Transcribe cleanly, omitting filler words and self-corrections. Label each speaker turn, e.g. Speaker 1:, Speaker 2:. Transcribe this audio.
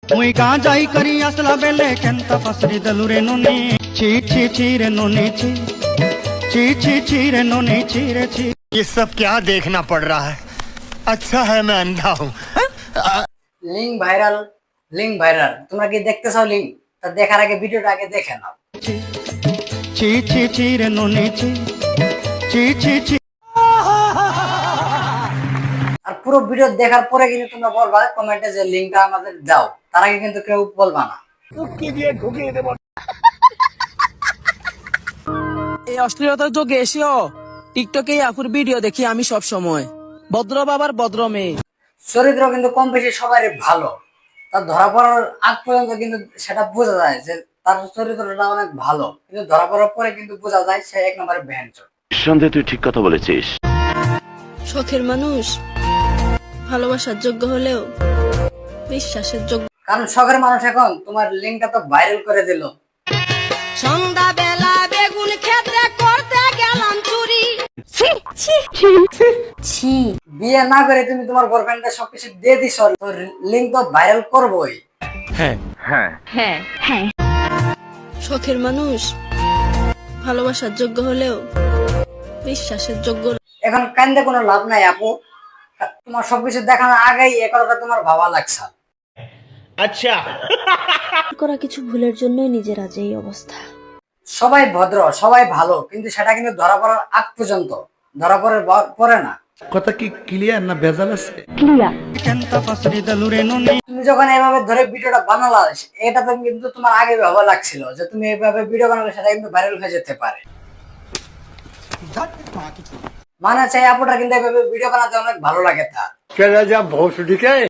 Speaker 1: मुई कहाँ जाई करी असला बेले केंता पसरी दलुरे नोनी ची ची ची रे नोनी ची ची ची ची रे नोनी ची रे ची।
Speaker 2: ये सब क्या देखना पड़ रहा है? अच्छा है मैं अंधा हूँ।
Speaker 3: লিঙ্ক ভাইরাল তোমরা কি দেখতে চাও লিঙ্ক? তা দেখার আগে ভিডিওটা আগে দেখে নাও।
Speaker 1: ची ची ची रे नोनी ची ची ची ची।
Speaker 3: আর পুরো ভিডিও দেখার পরে কিন্তু তোমরা বলবা কমেন্টে যে লিঙ্কটা আমাদের দাও, তার আগে কিন্তু কেউ বলবা না।
Speaker 4: এই অশ্লীলতার যোগে এসেও টিকটকে আপুর ভিডিও দেখি আমি সব সময়। ভদ্র বাবার ভদ্র মেয়ে,
Speaker 3: চরিত্র কিন্তু কম বেশি সবারই ভালো, তার ধরা পড়ার আগ পর্যন্ত কিন্তু সেটা বোঝা যায় যে তার চরিত্রটা অনেক ভালো, কিন্তু ধরা পড়ার পরে কিন্তু বোঝা যায় সে এক নম্বরে ভ্যানচোর।
Speaker 5: নিঃসন্দেহে তুই ঠিক কথা বলেছিস।
Speaker 6: শখের মানুষ ভালোবাসার যোগ্য হলেও বিশ্বাসের যোগ্য।
Speaker 3: কারণ শখের মানুষ এখন তোমার লিঙ্কটা তো ভাইরাল করে দিল।
Speaker 6: সন্ধ্যাবেলা বেগুন ক্ষেত্রে করতে গেলাম চুরি।
Speaker 3: বিয়ে না করে তুমি তোমার বয়ফ্রেন্ডকে সবকিছু দিয়ে দিছ, তো লিঙ্ক তো ভাইরাল করবোই।
Speaker 6: শখের মানুষ ভালোবাসার যোগ্য হলেও বিশ্বাসের যোগ্য না।
Speaker 3: এখন কান্দে কোনো লাভ নাই আপু, তোমার সবকিছু দেখানোর আগেই এ কথাটা তোমার ভাবা লাগছে।
Speaker 2: अच्छा
Speaker 6: করা কিছু ভুলের জন্যই নিজের আজ এই অবস্থা।
Speaker 3: সবাই ভদ্র, সবাই ভালো, কিন্তু সেটা কিন্তু ধরা পড়ার আগ পর্যন্ত, ধরা পড়ে না।
Speaker 7: কথা কি ক্লিয়ার না ভেজাল আছে?
Speaker 1: केंता पसरी दलुरे नोनी।
Speaker 3: তুমি যখন এভাবে ধরে ভিডিওটা বানালা, এটা তো কিন্তু তোমার আগে ভাবা লাগছিল যে তুমি এইভাবে ভিডিও বানালে সেটা কিন্তু ভাইরাল হয়ে যেতে পারে। মানে চাই আপুটা কিন্তু এভাবে ভিডিও বানাতে অনেক ভালো লাগে তার।